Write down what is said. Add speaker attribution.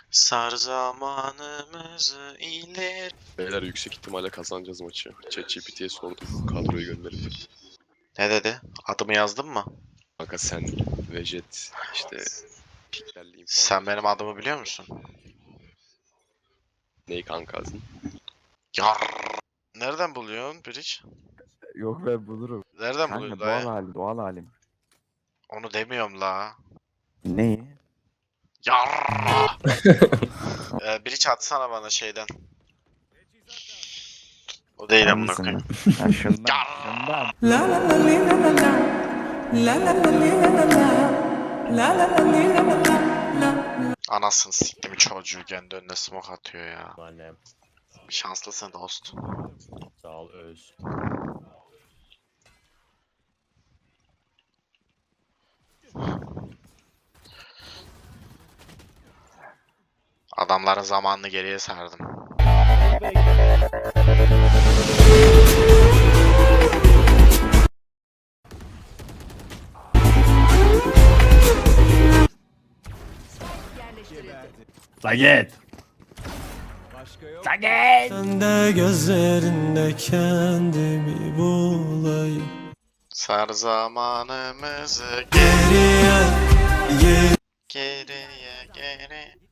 Speaker 1: Sar zamanımızı ileri.
Speaker 2: Beyler yüksek ihtimalle kazanacağız maçı. ChatGPT'ye sordum kadroyu gönderip.
Speaker 1: Ne dedi? Adımı yazdın mı?
Speaker 2: Kanka sen Vejet işte piklerle info
Speaker 1: Sen benim adımı biliyor musun?
Speaker 2: neyi kanka azın?
Speaker 1: Yar. Nereden buluyorsun Bridge?
Speaker 3: Yok ben bulurum.
Speaker 1: Nereden
Speaker 3: Kanka
Speaker 1: buluyorsun
Speaker 3: doğal
Speaker 1: ya?
Speaker 3: halim, doğal halim.
Speaker 1: Onu demiyorum la.
Speaker 3: Neyi?
Speaker 1: Yar. Bridge atsana bana şeyden. O değil amına
Speaker 3: Hangisini?
Speaker 1: koyayım.
Speaker 3: Ha şundan,
Speaker 1: Yar.
Speaker 3: şundan.
Speaker 4: La la la li la la la. La la la li la la la. La la la li la la la. La.
Speaker 1: Anasını siktim çocuğu kendi önüne smoke atıyor ya.
Speaker 5: Annem.
Speaker 1: Şanslısın dost.
Speaker 5: Sağ ol Öz.
Speaker 1: Adamların zamanını geriye sardım.
Speaker 5: Saget.
Speaker 4: Sen de gözlerinde kendimi bulayım.
Speaker 1: Sar zamanımızı
Speaker 4: Geriye, geriye.
Speaker 1: geriye geri.